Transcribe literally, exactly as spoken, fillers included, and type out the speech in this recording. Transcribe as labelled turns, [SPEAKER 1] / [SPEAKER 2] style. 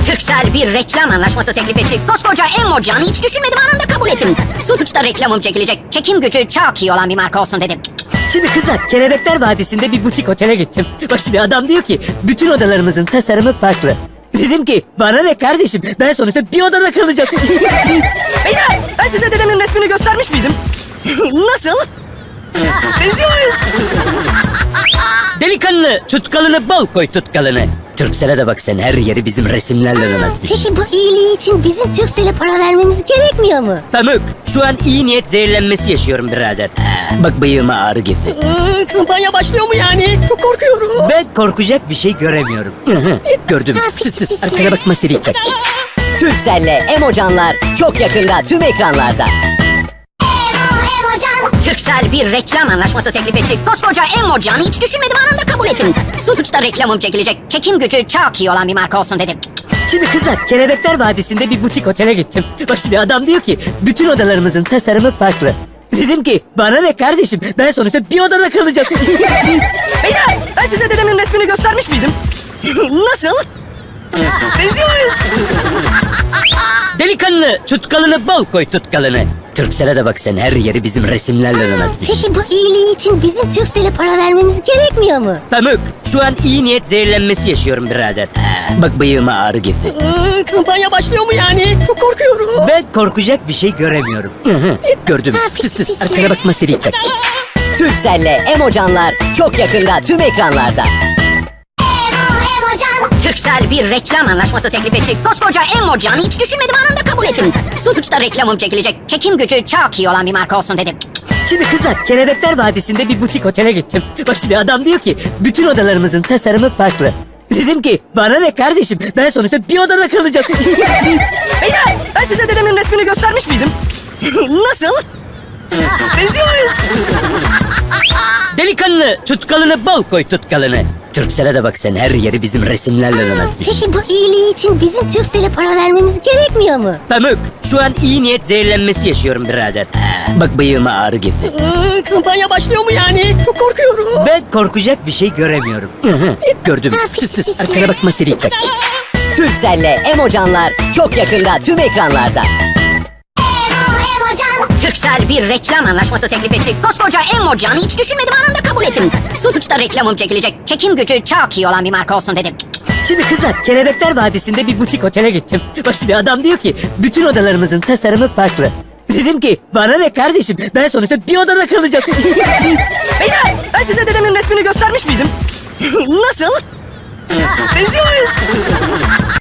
[SPEAKER 1] Türksel bir reklam anlaşması teklif etti. Koskoca Emocan'ı hiç düşünmedim, anında kabul ettim. Sonuçta reklamım çekilecek. Çekim gücü çok iyi olan bir marka olsun dedim.
[SPEAKER 2] Şimdi kızlar, Kelebekler Vadisi'nde bir butik otele gittim. Bak şimdi adam diyor ki bütün odalarımızın tasarımı farklı. Dedim ki bana ne kardeşim, ben sonuçta bir odada kalacağım.
[SPEAKER 3] Beyler, ben size dedemin resmini göstermiş miydim? Nasıl? Benziyor muyuz?
[SPEAKER 2] Delikanlı, tutkalını bol koy tutkalını. Türksel'e de bak sen, her yeri bizim resimlerle donatmış.
[SPEAKER 4] Peki bu iyiliği için bizim Turkcell'e para vermemiz gerekmiyor mu?
[SPEAKER 2] Pamuk, şu an iyi niyet zehirlenmesi yaşıyorum birader. Bak bıyığıma ağrı girdi.
[SPEAKER 5] Ee, kampanya başlıyor mu yani? Çok korkuyorum.
[SPEAKER 2] Ben korkacak bir şey göremiyorum. Gördüm.
[SPEAKER 4] Ha,
[SPEAKER 2] Tıs tıs,
[SPEAKER 4] pis,
[SPEAKER 2] arkana bakma seri dikkat.
[SPEAKER 6] Turkcell'le Emocanlar çok yakında tüm ekranlarda.
[SPEAKER 1] Türksel bir reklam anlaşması teklif etti. Koskoca Emocan'ı hiç düşünmedim, anında kabul ettim. Sonuçta reklamım çekilecek. Çekim gücü çok iyi olan bir marka olsun dedim.
[SPEAKER 2] Şimdi kızlar, Kelebekler Vadisi'nde bir butik otele gittim. Bak şimdi adam diyor ki bütün odalarımızın tasarımı farklı. Dedim ki bana ne kardeşim, ben sonuçta bir odada kalacağım.
[SPEAKER 3] Beyler, ben size dedemin resmini göstermiş miydim? Nasıl? Benziyor muyuz?
[SPEAKER 2] Delikanlı, tutkalını bol koy tutkalını. Türksel'e de bak sen, her yeri bizim resimlerle donatmış.
[SPEAKER 4] Peki bu iyiliği için bizim Turkcell'e para vermemiz gerekmiyor mu?
[SPEAKER 2] Pamuk, şu an iyi niyet zehirlenmesi yaşıyorum birader. Bak bıyığıma ağrı girdi.
[SPEAKER 5] Ee, kampanya başlıyor mu yani? Çok korkuyorum.
[SPEAKER 2] Ben korkacak bir şey göremiyorum. Gördüm.
[SPEAKER 4] Ha, pis,
[SPEAKER 2] Tıs tıs,
[SPEAKER 4] pis,
[SPEAKER 2] arkana bakma seri dikkat.
[SPEAKER 6] Turkcell'le Emocanlar çok yakında tüm ekranlarda.
[SPEAKER 1] Türksel bir reklam anlaşması teklif etti. Koskoca Emocan'ı hiç düşünmedim, anında kabul ettim. Sonuçta reklamım çekilecek. Çekim gücü çok iyi olan bir marka olsun dedim.
[SPEAKER 2] Şimdi kızlar, Kelebekler Vadisi'nde bir butik otele gittim. Bak şimdi adam diyor ki bütün odalarımızın tasarımı farklı. Dedim ki bana ne kardeşim, ben sonuçta bir odada kalacağım.
[SPEAKER 3] Beyler, ben size dedemin resmini göstermiş miydim? Nasıl? Benziyor muyuz?
[SPEAKER 2] Delikanlı, tutkalını bol koy tutkalını. Türksel'e de bak sen, her yeri bizim resimlerle donatmış.
[SPEAKER 4] Peki bu iyiliği için bizim Turkcell'e para vermemiz gerekmiyor mu?
[SPEAKER 2] Pamuk, şu an iyi niyet zehirlenmesi yaşıyorum birader. Bak bıyığıma ağrı girdi.
[SPEAKER 5] Ee, kampanya başlıyor mu yani? Çok korkuyorum.
[SPEAKER 2] Ben korkacak bir şey göremiyorum. Gördüm.
[SPEAKER 4] Ha, pis,
[SPEAKER 2] Tıs tıs,
[SPEAKER 4] pis,
[SPEAKER 2] arkana bakma seri dikkat.
[SPEAKER 6] Turkcell'le Emocanlar çok yakında tüm ekranlarda.
[SPEAKER 1] Türksel bir reklam anlaşması teklif etti. Koskoca Emocan'ı hiç düşünmedim, anında kabul ettim. Sonuçta reklamım çekilecek. Çekim gücü çok iyi olan bir marka olsun dedim.
[SPEAKER 2] Şimdi kızlar, Kelebekler Vadisi'nde bir butik otele gittim. Bak şimdi adam diyor ki bütün odalarımızın tasarımı farklı. Dedim ki bana ne kardeşim, ben sonuçta bir odada kalacağım.
[SPEAKER 3] Beyler, ben size dedemin resmini göstermiş miydim? Nasıl? Benziyor muyuz?